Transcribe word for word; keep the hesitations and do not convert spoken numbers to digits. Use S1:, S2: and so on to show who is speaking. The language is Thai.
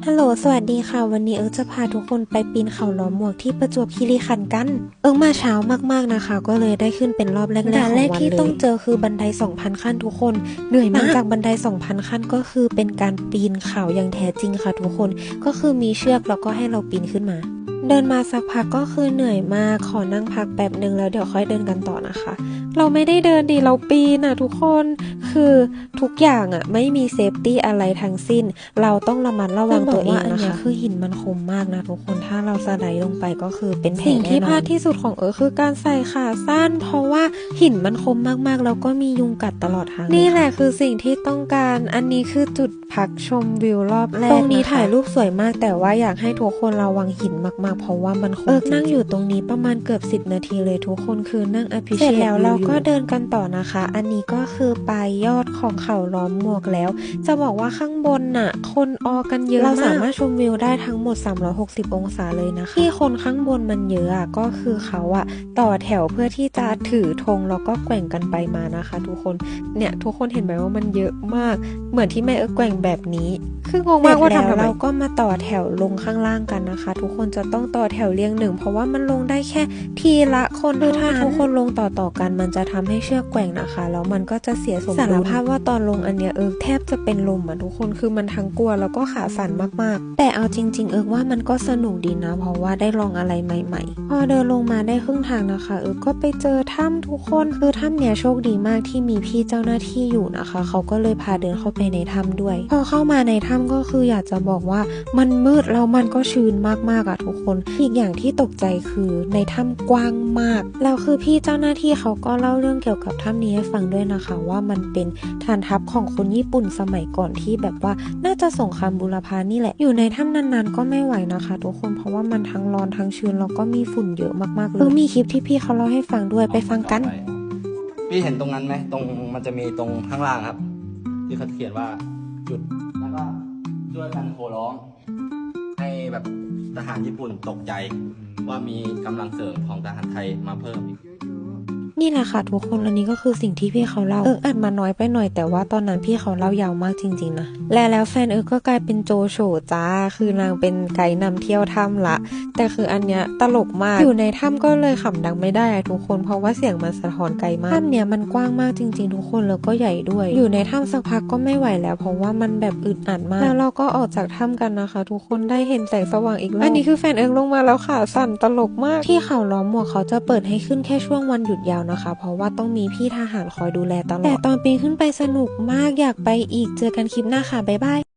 S1: ฮัลโหลสวัสดีค่ะวันนี้เอิร์กจะพาทุกคนไปปีนเขาล้อมหมวกที่ประจวบคีรีขันธ์กันเอิร์กมาเช้ามากๆนะคะก็เลยได้ขึ้นเป็นรอบแรกๆของวันเลยด่านแรกที่ต้องเจอคือบันได สองพัน ขั้นทุกคนเหนื่อยมากหลังจากบันได สองพัน ขั้นก็คือเป็นการปีนเขาอย่างแท้จริงค่ะทุกคนก็คือมีเชือกแล้วก็ให้เราปีนขึ้นมาเดินมาสักพักก็คือเหนื่อยมากขอนั่งพักแป๊บหนึ่งแล้วเดี๋ยวค่อยเดินกันต่อนะคะเราไม่ได้เดินดีเราปีนอะทุกคนคือทุกอย่างอะไม่มีเซฟตี้อะไรทั้งสิ้นเราต้องระมัดระวังตัวเองนะคะคือหินมันคมมากนะทุกคนถ้าเราสไลด์ลงไปก็คือเป็นแผลแน่นอนสิ่งที่พลาดที่สุดของเอิร์ธคือการใส่ขาสั้นเพราะว่าหินมันคมมากๆแล้วก็มียุงกัดตลอดทางนี่แหละคือสิ่งที่ต้องการอันนี้คือจุดพักชมวิวรอบแรกตรงนี้ถ่ายรูปสวยมากแต่ว่าอยากให้ทุกคนระวังหินมากๆเพราะว่ามันคมเอิร์ธนั่งอยู่ตรงนี้ประมาณเกือบสิบนาทีเลยทุกคนคือนั่งอภิเษกเสร็จแล้วเราก็เดินกันต่อนะคะอันนี้ก็คือปลายยอดของเขาล้อมหมวกแล้วจะบอกว่าข้างบนน่ะคนออกันเยอะมากเราสามารถชมวิวได้ทั้งหมดสามร้อยหกสิบองศาเลยนะคะที่คนข้างบนมันเยอะอะก็คือเขาอะต่อแถวเพื่อที่จะถือธงแล้วก็แกว่งกันไปมานะคะทุกคนเนี่ยทุกคนเห็นไหมว่ามันเยอะมากเหมือนที่แม่เอิร์ธแกว่งแบบนี้คืองงมากว่าทำทำไมเราก็มาต่อแถวลงข้างล่างกันนะคะทุกคนจะต้องต่อแถวเรียงหนึ่งเพราะว่ามันลงได้แค่ทีละคนคือถ้าทุกคนลงต่อต่อกันมันจะทำให้เชือกแกว่งนะคะแล้วมันก็จะเสียสมดุลสารภาพว่าตอนลงอันเนี้ยเอิร์กแทบจะเป็นลมอ่ะทุกคนคือมันทั้งกลัวแล้วก็ขาสั่นมากๆแต่เอาจริงๆเอิร์กว่ามันก็สนุกดีนะเพราะว่าได้ลองอะไรใหม่ๆพอเดินลงมาได้ครึ่งทางนะคะเอิร์กก็ไปเจอถ้ำทุกคนคือถ้ำเนี้ยโชคดีมากที่มีพี่เจ้าหน้าที่อยู่นะคะเขาก็เลยพาเดินเข้าไปในถ้ำด้วยพอเข้ามาในถ้ำก็คืออยากจะบอกว่ามันมืดแล้วมันก็ชื้นมากๆอ่ะทุกคนอีกอย่างที่ตกใจคือในถ้ำกว้างมากแล้วคือพี่เจ้าหน้าที่เขาก็เล่าเรื่องเกี่ยวกับถ้ำนี้ให้ฟังด้วยนะคะว่ามันเป็นฐานทัพของคนญี่ปุ่นสมัยก่อนที่แบบว่าน่าจะสงครามบูรพานี่แหละอยู่ในถ้ำนานๆก็ไม่ไหวนะคะทุกคนเพราะว่ามันทั้งร้อนทั้งชื้นแล้วก็มีฝุ่นเยอะมากๆเลยเออมีคลิปที่พี่เขาเล่าให้ฟังด้วยไปฟังกัน
S2: พี่เห็นตรงนั้นไหมตรงมันจะมีตรงข้างล่างครับที่เขาเขียนว่าจุดแล้วก็ช่วยกันโห่ร้องให้แบบทหารญี่ปุ่นตกใจว่ามีกำลังเสริมของทหารไทยมาเพิ่มอีก
S1: นี่แหละค่ะทุกคนอันนี้ก็คือสิ่งที่พี่เขาเล่าเอิร์กอัดมาน้อยไปหน่อยแต่ว่าตอนนั้นพี่เขาเล่ายาวมากจริงๆนะและแล้วแฟนเอิร์กก็กลายเป็นโจโฉจ้าคือนางเป็นไกด์นำเที่ยวถ้ำละแต่คืออันเนี้ยตลกมากอยู่ในถ้ำก็เลยขำดังไม่ได้ทุกคนเพราะว่าเสียงมันสะท้อนไกลมากถ้ำเนี้ยมันกว้างมากจริงๆทุกคนแล้วก็ใหญ่ด้วยอยู่ในถ้ำสักพักก็ไม่ไหวแล้วเพราะว่ามันแบบอึดอัดมากแล้วเราก็ออกจากถ้ำกันนะคะทุกคนได้เห็นแสงสว่างอีกแล้วอันนี้คือแฟนเอิร์กลงมาแล้วขาสั่นตลกมากที่เขาล้อมหมวกเขาจะเปิดให้ขึ้นแค่ช่วงวันหยุดยาวนะคะเพราะว่าต้องมีพี่ทหารคอยดูแลตลอดแต่ตอนปีนขึ้นไปสนุกมากอยากไปอีกเจอกันคลิปหน้าค่ะบ๊ายบาย